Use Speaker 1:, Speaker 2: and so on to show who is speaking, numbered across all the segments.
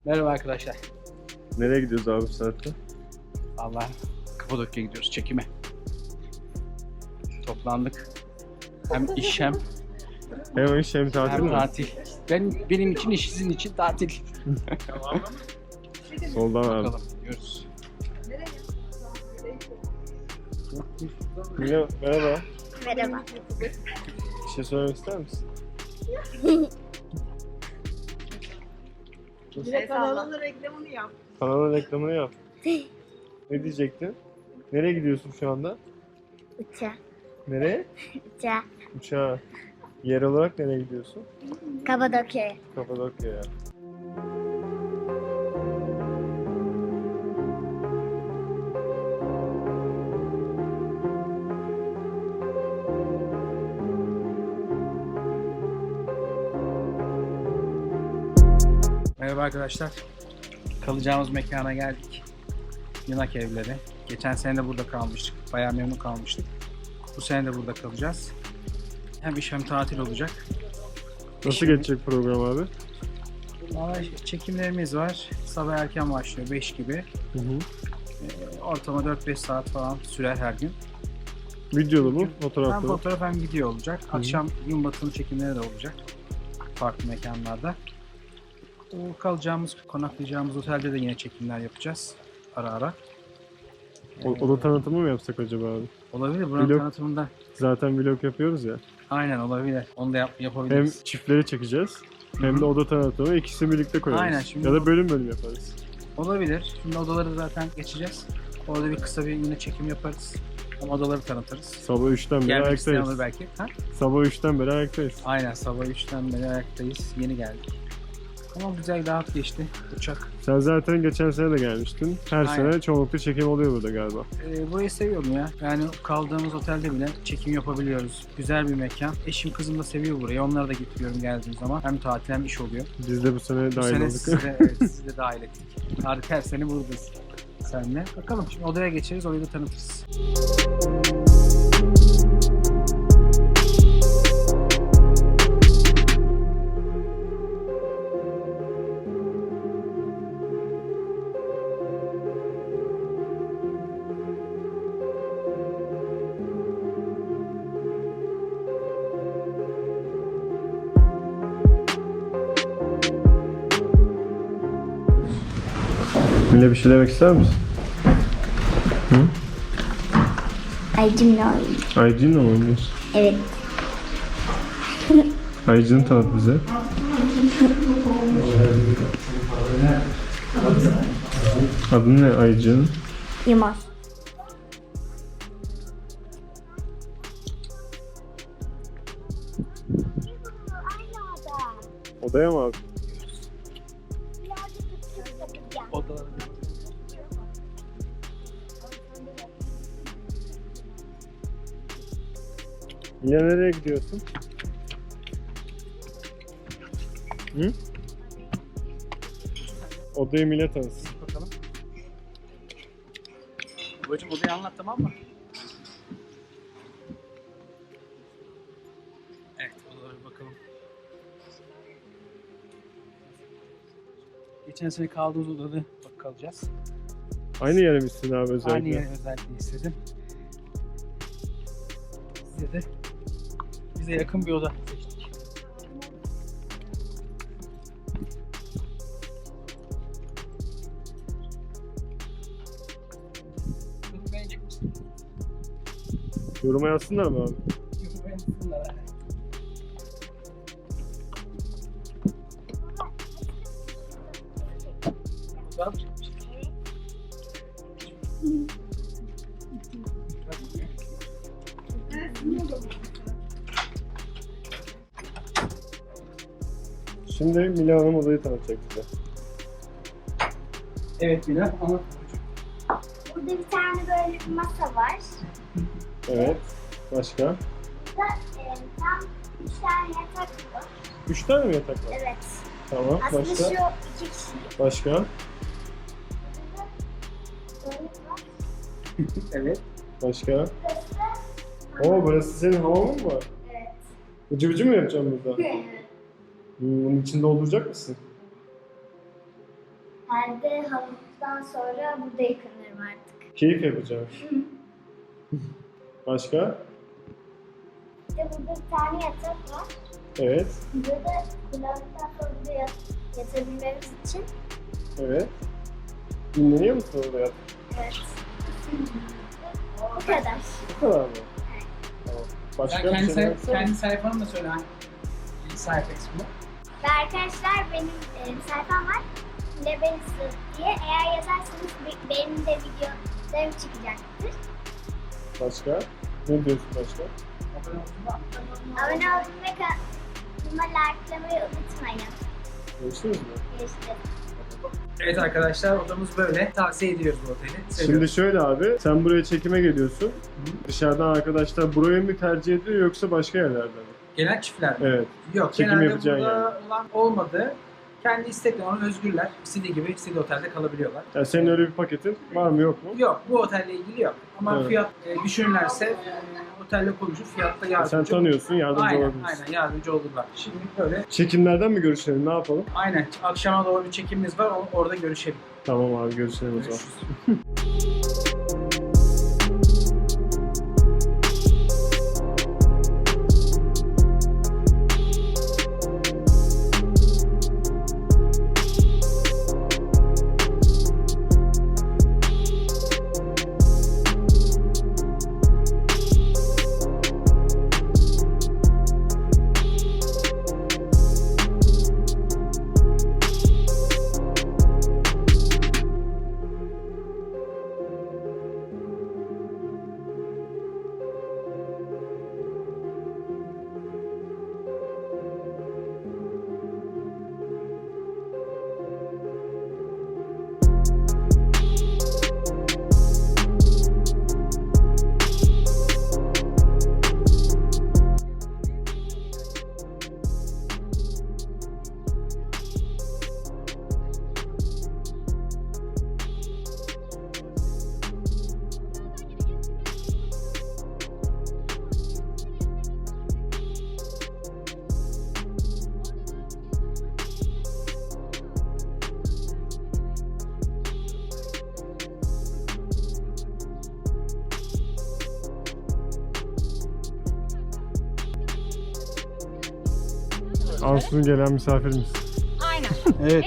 Speaker 1: Merhaba arkadaşlar.
Speaker 2: Nereye gidiyoruz abi bu saatte?
Speaker 1: Allah, Kapadokya'ya gidiyoruz çekime. Toplandık. Hem iş hem
Speaker 2: Iş hem tatil mi?
Speaker 1: tatil. Benim için iş, sizin için tatil.
Speaker 2: Soldan abi.
Speaker 1: Bakalım, gidiyoruz.
Speaker 2: Merhaba.
Speaker 3: Merhaba.
Speaker 2: Bir şey söylemek ister misin?
Speaker 3: Kanalın reklamını yap.
Speaker 2: Kanalın reklamını yap. Ne diyecektin? Nereye gidiyorsun şu anda?
Speaker 3: Uça.
Speaker 2: Nereye?
Speaker 3: Uça.
Speaker 2: Uçağa. Yer olarak nereye gidiyorsun?
Speaker 3: Kapadokya'ya.
Speaker 2: Kapadokya'ya.
Speaker 1: Merhaba arkadaşlar. Kalacağımız mekana geldik. Yanak evleri. Geçen sene de burada kalmıştık. Bayağı memnun kalmıştık. Bu sene de burada kalacağız. Hem iş hem tatil olacak.
Speaker 2: Nasıl geçecek program abi?
Speaker 1: Vallahi çekimlerimiz var. Sabah erken başlıyor 5 gibi.
Speaker 2: Hı hı.
Speaker 1: Ortalama 4-5 saat falan sürer her gün.
Speaker 2: Videolu mu?
Speaker 1: Hem
Speaker 2: Fotoğraflı mı?
Speaker 1: fotoğraf hem video olacak. Akşam gün batımı çekimleri de olacak. Farklı mekanlarda. O kalacağımız, konaklayacağımız otelde de yine çekimler yapacağız. Ara ara.
Speaker 2: Oda tanıtımı mı yapsak acaba abi?
Speaker 1: Olabilir. Buranın
Speaker 2: Vlog.
Speaker 1: tanıtımında.
Speaker 2: Zaten vlog yapıyoruz ya.
Speaker 1: Aynen olabilir. Onu da
Speaker 2: Hem
Speaker 1: yapabiliriz.
Speaker 2: çiftleri çekeceğiz. Hem de oda tanıtımı, ikisini birlikte koyarız.
Speaker 1: Aynen, şimdi
Speaker 2: ya da bölüm bölüm yaparız.
Speaker 1: Olabilir. Şimdi odaları zaten geçeceğiz. Orada bir kısa bir yine çekim yaparız. Ama odaları tanıtırız.
Speaker 2: Sabah 3'ten beri
Speaker 1: Gelmek isteyen olur
Speaker 2: ayaktayız.
Speaker 1: belki. Ha?
Speaker 2: Sabah 3'ten beri ayaktayız.
Speaker 1: Aynen, sabah 3'ten beri ayaktayız. Yeni geldik. Ama güzel, rahat geçti uçak.
Speaker 2: Sen zaten geçen sene de gelmiştin. Her
Speaker 1: Aynen.
Speaker 2: sene çoğunlukla çekim oluyor burada galiba.
Speaker 1: Burayı seviyorum ya. Yani kaldığımız otelde bile çekim yapabiliyoruz. Güzel bir mekan. Eşim kızım da seviyor burayı. Onlara da getiriyorum geldiğim zaman. Hem tatil hem iş oluyor.
Speaker 2: Biz de bu sene
Speaker 1: Bu
Speaker 2: dahil
Speaker 1: sene
Speaker 2: olduk.
Speaker 1: sizi de dahil ettik. Harika, her sene buradayız. Senle. Bakalım şimdi odaya geçeriz. Orayı da tanıtırız.
Speaker 2: Mine bir şey demek ister misin?
Speaker 3: Aycımla oynuyor.
Speaker 2: Aycin'le mi oynuyorsun?
Speaker 3: Evet.
Speaker 2: Aycin'i tanıt bize. Adın ne Aycin?
Speaker 3: Yılmaz.
Speaker 2: Odaya mı abi?
Speaker 1: Odaları
Speaker 2: Mine nereye gidiyorsun? Hı? Odayı Mine tanısın.
Speaker 1: bakalım. Babacım odayı anlat, tamam mı? Evet, odalara bir bakalım. Geçen sene kaldığımız odada kalacağız.
Speaker 2: Aynı yere misin abi özellikle?
Speaker 1: Aynı yeri özellikle istedim. Size de bize yakın bir oda seçtik. Bunu beğenecek misin?
Speaker 2: Yoruma yazsınlar mı abi?
Speaker 1: Bunu beğensinler. Fotoğraf çekmiş.
Speaker 2: Şimdi Mine Hanım odayı tanıtacak bize.
Speaker 1: Evet Mila, anlat.
Speaker 3: Burada bir tane böyle bir masa var.
Speaker 2: Evet. Başka?
Speaker 3: Burada tam 3 tane yatak var.
Speaker 2: 3 tane mi yatak var?
Speaker 3: Evet.
Speaker 2: Tamam.
Speaker 3: Aslında
Speaker 2: Başka?
Speaker 3: şu 2 kişilik.
Speaker 2: Başka?
Speaker 3: Böyle var.
Speaker 1: Evet.
Speaker 2: Başka? Oo, burası senin hamamın mı var?
Speaker 3: Evet.
Speaker 2: Bıcı bıcı mı yapacaksın burada? Bunun içinde dolduracak mısın?
Speaker 3: Evet.
Speaker 2: Hı, bunun içinde dolduracak mısın?
Speaker 3: Evet.
Speaker 1: Evet.
Speaker 3: Evet. Herhalde havuzdan sonra burada yıkanırım artık.
Speaker 2: Keyif yapacağım. Başka?
Speaker 3: İşte burada bir tane yatak var.
Speaker 2: Evet.
Speaker 3: Burada kullandıktan sonra burada yatabilmemiz için.
Speaker 2: Evet. Dinleniyor musun orada yat?
Speaker 3: Evet. Bu kadar.
Speaker 2: Bu kadar mı? Tamam. Başka
Speaker 1: Sen
Speaker 2: bir şey varsa?
Speaker 1: kendi sayfanı da söyle hangi sayfa ismi?
Speaker 3: Ve arkadaşlar benim sayfam var. Lebensu diye. Eğer yazarsanız benim de videolarım çıkacaktır.
Speaker 2: Başka? Ne diyorsun başka?
Speaker 3: Abone olmayı ve kanalıma likelamayı unutmayın.
Speaker 2: Görüşürüz mü?
Speaker 3: Görüşürüz.
Speaker 1: Evet arkadaşlar, odamız böyle. Tavsiye ediyoruz bu oteli.
Speaker 2: Şimdi
Speaker 1: Seviyoruz.
Speaker 2: şöyle abi, sen buraya çekime geliyorsun. Dışarıdan arkadaşlar burayı mı tercih ediyor yoksa başka yerlerden mi?
Speaker 1: Gelen çiftler mi?
Speaker 2: Evet.
Speaker 1: Yok,
Speaker 2: Çekim
Speaker 1: genelde
Speaker 2: yapacaksın
Speaker 1: burada olan olmadı. Kendi istekleri, onu özgürler. İstediği gibi istediği otelde kalabiliyorlar.
Speaker 2: Yani senin öyle bir paketin var mı yok mu?
Speaker 1: Yok, bu otelle ilgili yok. Ama
Speaker 2: Evet.
Speaker 1: fiyat düşünürlerse otelle konuşup fiyatta yardımcı
Speaker 2: Sen tanıyorsun, yardımcı
Speaker 1: Aynen,
Speaker 2: olabilirsin.
Speaker 1: aynen yardımcı olurlar. Şimdi böyle,
Speaker 2: Çekimlerden mi görüşelim, ne yapalım?
Speaker 1: aynen akşama doğru bir çekimimiz var, orada görüşelim.
Speaker 2: Tamam abi, görüşelim o zaman.
Speaker 1: Görüşürüz.
Speaker 2: Ansu'nun gelen misafirimiz.
Speaker 4: Aynen.
Speaker 1: Evet.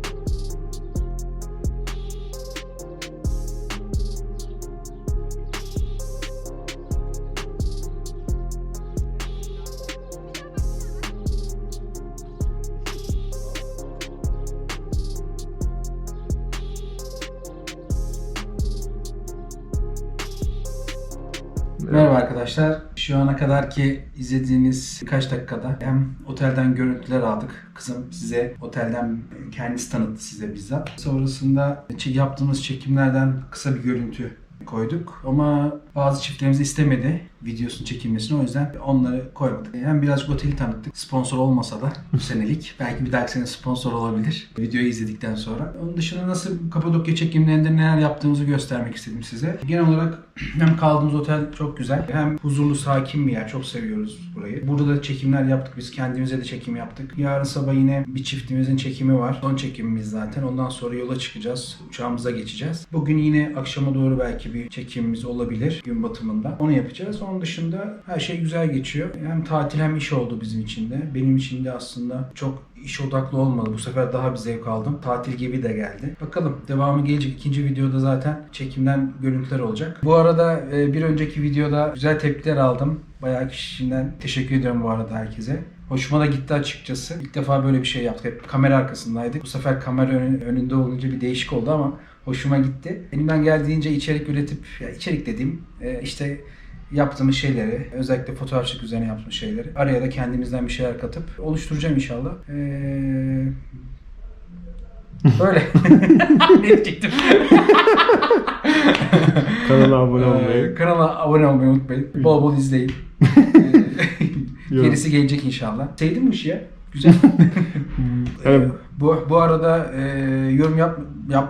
Speaker 1: Merhaba arkadaşlar. Şu ana kadar ki izlediğiniz birkaç dakikada hem otelden görüntüler aldık. Kızım size otelden kendisi tanıttı size bizzat. Sonrasında yaptığımız çekimlerden kısa bir görüntü koyduk. Ama bazı çiftlerimiz istemedi videosunu çekilmesini, o yüzden onları koymadık. Hem birazcık oteli tanıttık. Sponsor olmasa da bu senelik. Belki bir dahaki sene sponsor olabilir. Videoyu izledikten sonra. Onun dışında nasıl Kapadokya çekimlerinde neler yaptığımızı göstermek istedim size. Genel olarak hem kaldığımız otel çok güzel, hem huzurlu, sakin bir yer. Çok seviyoruz burayı. Burada da çekimler yaptık. Biz kendimize de çekim yaptık. Yarın sabah yine bir çiftimizin çekimi var. Son çekimimiz zaten. Ondan sonra yola çıkacağız. Uçağımıza geçeceğiz. Bugün yine akşama doğru belki bir çekimimiz olabilir. Gün batımında. Onu yapacağız. Onun dışında her şey güzel geçiyor. Hem tatil hem iş oldu bizim için de. Benim için de aslında çok iş odaklı olmadı. Bu sefer daha bir zevk aldım. Tatil gibi de geldi. Bakalım devamı gelecek. İkinci videoda zaten çekimden görüntüler olacak. Bu arada bir önceki videoda güzel tepkiler aldım. Bayağı kişiden teşekkür ediyorum bu arada herkese. Hoşuma da gitti açıkçası. İlk defa böyle bir şey yaptık. Hep kamera arkasındaydık. Bu sefer kamera önünde olunca bir değişik oldu ama hoşuma gitti. Elimden geldiğince içerik üretip, ya içerik dediğim işte yaptığımız şeyleri, özellikle fotoğrafçılık üzerine yaptığımız şeyleri araya da kendimizden bir şeyler katıp oluşturacağım inşallah. Böyle. Ne diyecektim?
Speaker 2: Kanala abone olmayı.
Speaker 1: Kanala abone olmayı unutmayın. Bol bol izleyin. Gerisi gelecek inşallah. Sevdin mi bu işi ya? Güzel.
Speaker 2: Evet.
Speaker 1: Bu arada yorum yap.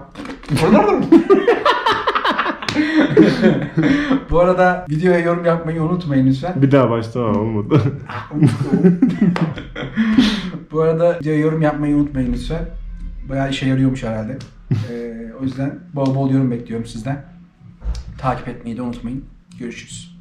Speaker 1: Bu arada videoya yorum yapmayı unutmayın lütfen.
Speaker 2: Bir daha başta olmadı.
Speaker 1: Bu arada videoya yorum yapmayı unutmayın lütfen. Bayağı işe yarıyormuş herhalde. O yüzden bol bol yorum bekliyorum sizden. Takip etmeyi de unutmayın. Görüşürüz.